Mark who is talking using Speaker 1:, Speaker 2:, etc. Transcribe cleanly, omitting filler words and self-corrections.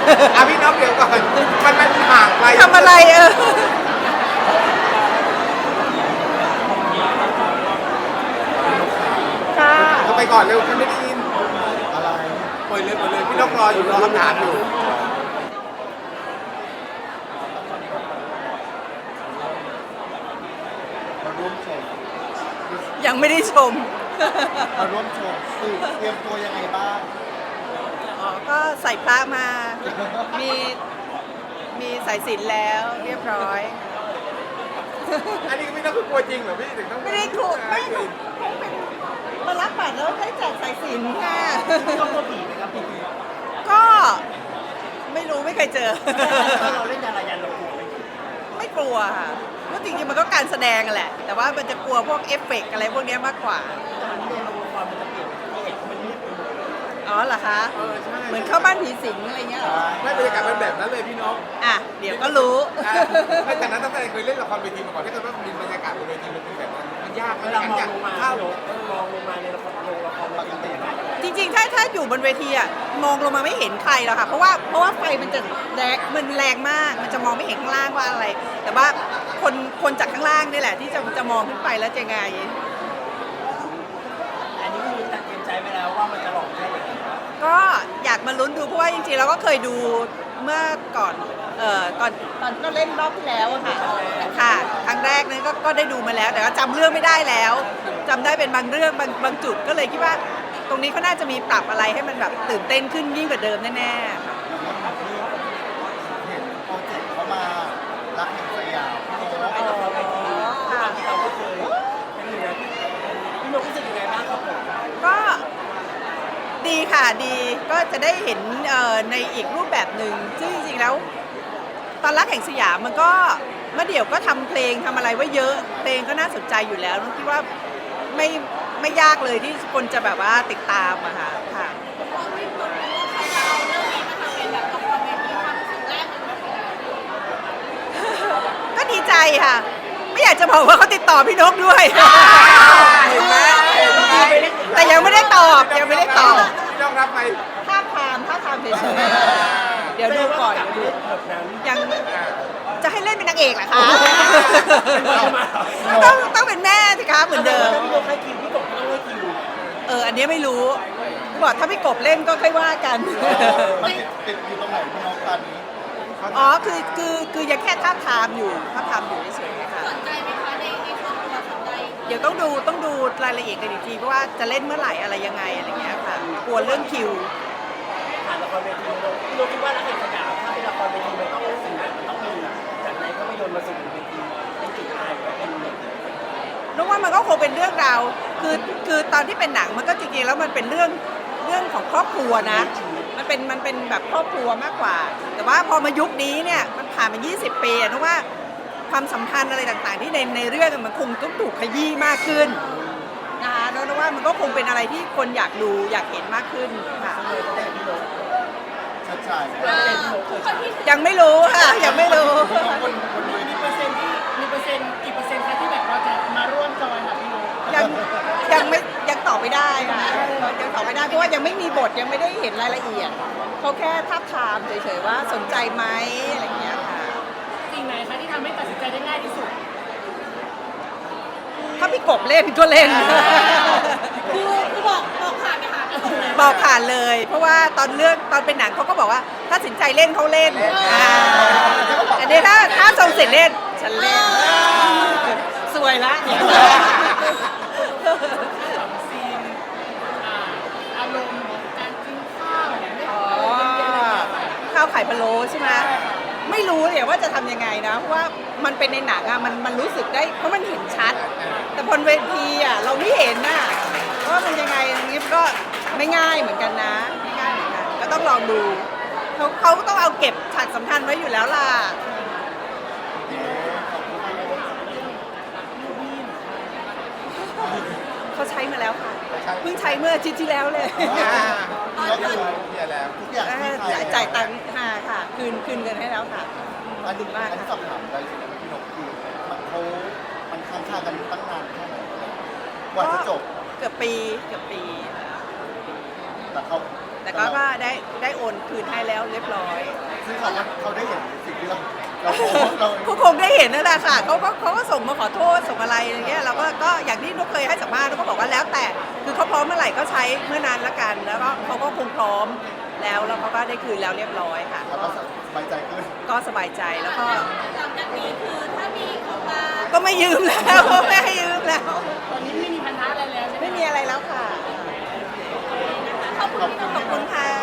Speaker 1: พี่น้องเดี๋ยวก่อนมันห่างไกล
Speaker 2: ทำอะไรค่ะ
Speaker 1: เอาไปก่อนเร็วฉันไม่ได้ยินอะไรปล่อยเลยพี่น้องรออยู่รอคำถามอยู่
Speaker 3: มาร่วมชม
Speaker 2: ยังไม่ได้ชม
Speaker 3: มาร่วมชมเตรียมตัวยังไงบ้าง
Speaker 2: อ๋อก็ใส่พระมา มีมีสายสิญจน์แล้วเรียบร้อย
Speaker 1: อันนี้ก็ไม่ต้องกลัวจริงเหรอพี่ถึงต้อง
Speaker 2: ไม่ได้ถูกไม่ถูกมารับบัตรแล้วให้แจกสายสิญจน์ค่ะ
Speaker 3: ต้องกลัวผีไหมครับผี
Speaker 2: ก็ไม่รู้ไม่เคยเจอ
Speaker 3: ถ้าเราเล่นยาลายันเรากลัวไหม
Speaker 2: ไม่กลัวค่ะเพราะจริงๆมันก็การแสดงแหละ แต่ว่ามันจะกลัวพวกเอฟเฟกต์อะไรพวกนี้มากกว่า
Speaker 3: แต่มันเรียนรู้ความมันจะเปลี่ยนเป็นเอกมันมืดไปหมด
Speaker 2: อ๋อเหรอคะ
Speaker 1: ใช่
Speaker 2: เหมือนเข้าบ้านผีสิงอะไรเงี้ยเหรอ
Speaker 1: ไม่บรรยากาศเป็นแบบนั้นเลยพี่น้อง
Speaker 2: อ่ะเดี๋ยวก็รู้
Speaker 1: ไม่แต่นั้นตั้งแต่เคยเล่นละครเวทีมาก่อนถ้าเกิดว่ามีบรรยากาศบนเวทีมันเป็นแบบนั้นมันยาก
Speaker 3: เวลามองลงมา
Speaker 1: เข้าม
Speaker 3: องลงมาในละครปกตินะ
Speaker 2: จริงๆ ถ้าอยู่บนเวทีอ่ะมองลงมาไม่เห็นใครหรอกค่ะ เพราะว่าไฟมันจะแรงมาก มันจะมองไม่เห็นข้างล่างว่าอะไร แต่ว่าคนจากข้างล่างนี่แหละที่จะมองขึ้นไปแล้วจะไง
Speaker 3: อันนี้คือตัดเตรียมใจไปแล้วว่ามันจะหลอกแค่ไหน
Speaker 2: ก็อยากมาลุ้นดูเพราะว่าจริงๆเราก็เคยดูเมื่อก่อนก่อนตอนก็เล่นรอบที่แล้วอะค่ะค่ะครั้งแรกนั้นก็ได้ดูมาแล้ว แต่ก็จำเรื่องไม่ได้แล้วจำได้เป็นบางเรื่องบางจุดก็เลยคิดว่าตรงนี้เขาน่าจะมีปรับอะไรให้มันแบบตื่นเต้นขึ้นยิ่งกว่าเดิมแน่ๆ
Speaker 3: เห็นโปรเจกต์เขามารักแห่งสยามพี่โน้ต
Speaker 2: อ๋อค่ะ
Speaker 3: ที่เราก็เคยเป็นหนึ่งนะพี่โน้ตรู้สึกยังไงบ้างครับผม
Speaker 2: ก็ดีค่ะดีก็จะได้เห็นในอีกรูปแบบหนึ่งซึ่งจริงๆแล้วตอนรักแห่งสยามมันก็เมื่อเดี๋ยวก็ทำเพลงทำอะไรไว้เยอะเพลงก็น่าสนใจอยู่แล้วนุ้คิดว่าไม่ยากเลยที่คนจะแบบว่าติดตามอะค่ะก็ดีใจค่ะ ไม่อยากจะบอกว่าเขาติดต่อพี่นกด้วย
Speaker 1: เห็นไหม
Speaker 2: แต่ยังไม่ได้ตอบยังไม่ได้ตอบ
Speaker 1: พี่น้องรับไหม
Speaker 2: ท่าทางเฉยๆเดี๋ยวดูก่อนเดี๋ยวดู
Speaker 3: แบบนั้น
Speaker 2: ยังจะให้เล่นเป็นนางเอกเหรอคะ
Speaker 3: เอา
Speaker 2: ต้องเป็นแม่สิคะเหมือนเดิม
Speaker 3: พี่โน้ตให้คิวพี่กบก็ต้องให้คิว
Speaker 2: อันนี้ไม่รู้บอกถ้าพี่กบเล่นก็ค่อยว่ากัน
Speaker 3: มันติดอยู่ตรงไหนพี่โน้ตตอนนี้
Speaker 2: อ๋อคือยังแค่ท่าบทามอยู่เฉยๆค่ะ
Speaker 4: สนใจไหมคะในครอบครัวสนใจ
Speaker 2: เดี๋ยวต้องดูรายละเอียดกันอีกทีเพราะว่าจะเล่นเมื่อไหร่อะไรยังไงอะไรเงี้ยค่ะกลัวเรื่องคิว
Speaker 3: ผ่านละครเวทีพี่โน้ตคิดว่ารักแห่งสยามถ้าเป็นละครเวทีมันต้องสื่อมันต้องมีจากในภาพยนตร์มาสู่เวทีเป็นจุดอายเป็น
Speaker 2: นึกว่ามันก็คงเป็นเรื่องราวคือตอนที่เป็นหนังมันก็จริงๆแล้วมันเป็นเรื่องของครอบครัวนะ มันเป็นแบบครอบครัวมากกว่า แต่ว่าพอมายุคนี้เนี่ยมันผ่านมา 20 ปีนึกว่าความสัมพันธ์อะไรต่างๆที่ในเรื่องมันคงต้องถูกขยี้มากขึ้นนะคะนึกว่ามันก็คงเป็นอะไรที่คนอยากดูอยากเห็นมากขึ้นค่ะ
Speaker 3: ชัดชาย
Speaker 2: ยังไม่รู้ค่ะยังไม่รู้
Speaker 3: คนดูนี่
Speaker 4: กี่เปอร์เซ็นต์คะที่แบบเราจะมาร่วมจอยค่ะพี่โน้ต
Speaker 2: ยังตอบไม่ได้ค่ะยังตอบไม่ได้เพราะว่ายังไม่มีบทยังไม่ได้เห็นรายละเอียดเขาแค่ทับทามเฉยๆว่าสนใจไหมอะไรอย่างเงี้ยค่ะ
Speaker 4: สิ่งไหนคะที่ทำให้ตัดสินใจได้ง่ายที่สุด
Speaker 2: ถ้าพี่กบเล่นก็เล่น
Speaker 4: คือบอกผ่านไปค่ะ
Speaker 2: บอกผ่านเลย เพราะว่าตอนเป็นหนังเขาก็บอกว่าถ้าสินใจเล่นเขาเล่นแต่เนี่ยถ้าทรงสิทธิ์เล่นฉันเล่นสวยละ
Speaker 4: ซีนอารมณ์การกินข้าวเนี่ยไม่
Speaker 2: อ๋อข้าวไข่พะโล้ใช่ไหมไม่รู้เนี่ยว่าจะทำยังไงนะเพราะว่ามันเป็นในหนังอะมันรู้สึกได้เพราะมันเห็นชัด แต่บนเวทีอะเราไม่เห็นน่ะว่ามันยังไงอย่างนี้ก็ไม่ง่ายเหมือนกันนะไม่ง่ายเหมือนกันก็ต้องลองดูเขาก็ต้องเอาเก็บฉากสำคัญไว้อยู่แล้วล่ะเขาใช้มาแล้วค่ะเพิ่งใช้เมื่ออาทิตย์ที่แล้วเลย
Speaker 3: ก็คือ
Speaker 1: เนี่ยแล้ว
Speaker 3: ทุกอย่างที่ไทย
Speaker 2: จ่ายตังค์ค่ะคืนเงินให้แล้วค่ะ
Speaker 3: อันนี้สอบถามได้สิพี่นกคือมันค้างคากันตั้งนานแค่ไหนกว่าจะจบ
Speaker 2: เกือบปี
Speaker 3: แต่เขา
Speaker 2: แต่ก็ได้โอนคืนให้แล้วเรียบร้อย
Speaker 1: ซึ่งเขาได้เห็นสิ่งที่เราโพสต์เรา
Speaker 2: ก็คงได้เห็นนั่นแหละค่ะเขาก็ส่งมาขอโทษส่งอะไรอย่างเงี้ยเราก็อย่างที่นุกเคยให้สัมภาษณ์นุกก็บอกว่าแล้วแต่คือเขาพร้อมเมื่อไหร่ก็ใช้เมื่อนั้นละกัน แล้วก็เขาก็คงพร้อมแล้วเขาก็ได้คืนแล้วเรียบร้อยค่ะ
Speaker 1: เราก็สบายใจขึ้น
Speaker 2: ก็สบายใจแล้วก็
Speaker 5: หลังจากนี้คือถ้ามีเข้ามา
Speaker 2: ก็ไม่ยืมแล้ว ไม่ให้ยืมแล้ว
Speaker 4: ตอนนี้ไม่มีปัญหาอะไรแล้วใช่ไหม
Speaker 2: ไม่มีอะไรแล้วค่ะ
Speaker 5: ขอบคุณ
Speaker 2: ขอบคุณค่ะ